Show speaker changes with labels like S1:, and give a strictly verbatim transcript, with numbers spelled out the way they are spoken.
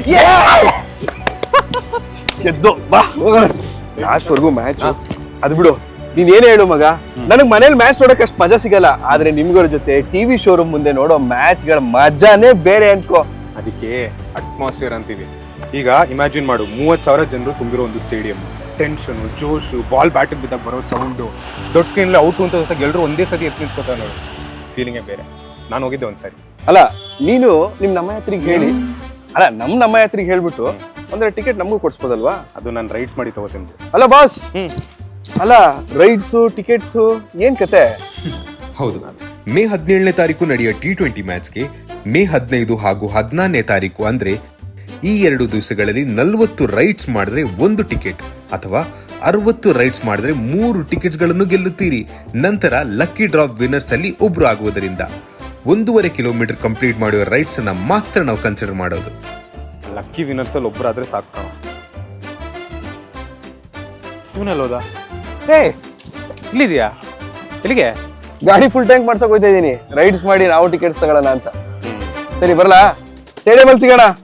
S1: ಎದ್ದು ಬಾ ಹೋಗೋಣ. ಲಾಸ್ಟ್ ವರ್ಗು ಮ್ಯಾಚ್ ಅದು ಬಿಡು. ನೀನ್ ಏನ್ ಹೇಳು ಮಗ, ನನಗ್ ಮನೇಲಿ ಮ್ಯಾಚ್ ನೋಡಕ್ ಅಷ್ಟು ಮಜಾ ಸಿಗಲ್ಲ, ಆದ್ರೆ ನಿಮ್ಗಳ ಜೊತೆ ಟಿವಿ ಶೋರೂಮ್ ಮುಂದೆ ನೋಡೋ ಮ್ಯಾಚ್ ಗಳ ಮಜಾನೇ ಬೇರೆ ಅನ್ಕೋ.
S2: ಅದಕ್ಕೆ ಅಟ್ಮಾಸ್ಫಿಯರ್ ಅಂತೀವಿ. ಈಗ ಇಮ್ಯಾಜಿನ್ ಮಾಡು, ಮೂವತ್ ಸಾವಿರ ಜನರು ತುಂಬಿರೋ ಒಂದು ಸ್ಟೇಡಿಯಂ, ಟೆನ್ಷನ್, ಜೋಶು, ಬಾಲ್ ಬ್ಯಾಟಿಗೆ ಬಿದ್ದಾಗ ಬರೋ ಸೌಂಡು, ದೊಡ್ಡ ಸ್ಕ್ರೀನ್ ಔಟ್ ಅಂತ ಜೊತೆ ಎಲ್ಲರೂ ಒಂದೇ ಸತಿ ಎತ್ತು ನಿಂತ್ಕೋತಾರೆ ನೋಡು, ಫೀಲಿಂಗೇ ಬೇರೆ. ನಾನು ಹೋಗಿದ್ದೆ ಒಂದ್ಸರಿ.
S1: ಅಲ್ಲ ನೀನು ನಿಮ್ ನಮ್ಮ ಯಾತ್ರಿಗೆ ಹೇಳಿ, ಅಲ್ಲ ನಮ್ ನಮ್ಮ ಯಾತ್ರಿಗೆ ಹೇಳ್ಬಿಟ್ಟು ಅಂದ್ರೆ ಟಿಕೆಟ್ ನಮಗೂ ಕೊಡ್ಸ್ಬೋದಲ್ವಾ?
S2: ಅದು ನಾನು ರೈಡ್ಸ್ ಮಾಡಿ ತಗೋತೀನಿ.
S1: ಅಲ್ಲ ಬಾಸ್, ಅಲ್ಲ ರೈಡ್ಸು ಟಿಕೆಟ್ಸು ಏನ್ ಕತೆ?
S3: ಹೌದು, ಮೇ ಹದಿನೇಳನೇ ತಾರೀಕು ನಡೆಯೋ ಟಿ ಟ್ವೆಂಟಿ ಮ್ಯಾಚ್ಗೆ ಮೇ ಹದಿನೈದು ಹಾಗೂ ಹದಿನಾರನೇ ತಾರೀಕು ಅಂದ್ರೆ ಈ ಎರಡು ದಿವಸಗಳಲ್ಲಿ ನಲ್ವತ್ತು ರೈಡ್ಸ್ ಮಾಡಿದ್ರೆ ಒಂದು ಟಿಕೆಟ್ ಅಥವಾ ಅರವತ್ತು ರೈಡ್ಸ್ ಮಾಡಿದ್ರೆ ಮೂರು ಟಿಕೆಟ್ಸ್ ಗಳನ್ನು ಗೆಲ್ಲುತ್ತೀರಿ. ನಂತರ ಲಕ್ಕಿ ಡ್ರಾಪ್ ವಿನ್ನರ್ಸ್ ಅಲ್ಲಿ ಒಬ್ರು ಆಗುವುದರಿಂದ ಒಂದೂವರೆ ಕಿಲೋಮೀಟರ್ ಕಂಪ್ಲೀಟ್ ಮಾಡುವ ರೈಡ್ಸ್ ಅನ್ನ ಮಾತ್ರ ನಾವು ಕನ್ಸಿಡರ್ ಮಾಡೋದು.
S2: ಲಕ್ಕಿ ವಿನ್ನರ್ಸ್ ಅಲ್ಲಿ ಒಬ್ಬರಾದ್ರೆ ಸಾಕು ಕಾಣ. ಇವನಲ್ಲೋದಾ? ಏ ಇಲ್ಲಿದ್ಯಾ? ಎಲ್ಲಿಗೆ?
S1: ಗಾಡಿ ಫುಲ್ ಟ್ಯಾಂಕ್ ಮಾಡ್ಸಕ್ ಹೋಗ್ತಾ ಇದೀನಿ, ರೈಡ್ಸ್ ಮಾಡಿ ನಾವು ಟಿಕೆಟ್ಸ್ ತಗೊಳ್ಳೋಣ ಅಂತ. ಸರಿ ಬರಲಾ? ಸ್ಟೇಡಿಯಂ ಅಲ್ಲಿ ಸಿಗೋಣ.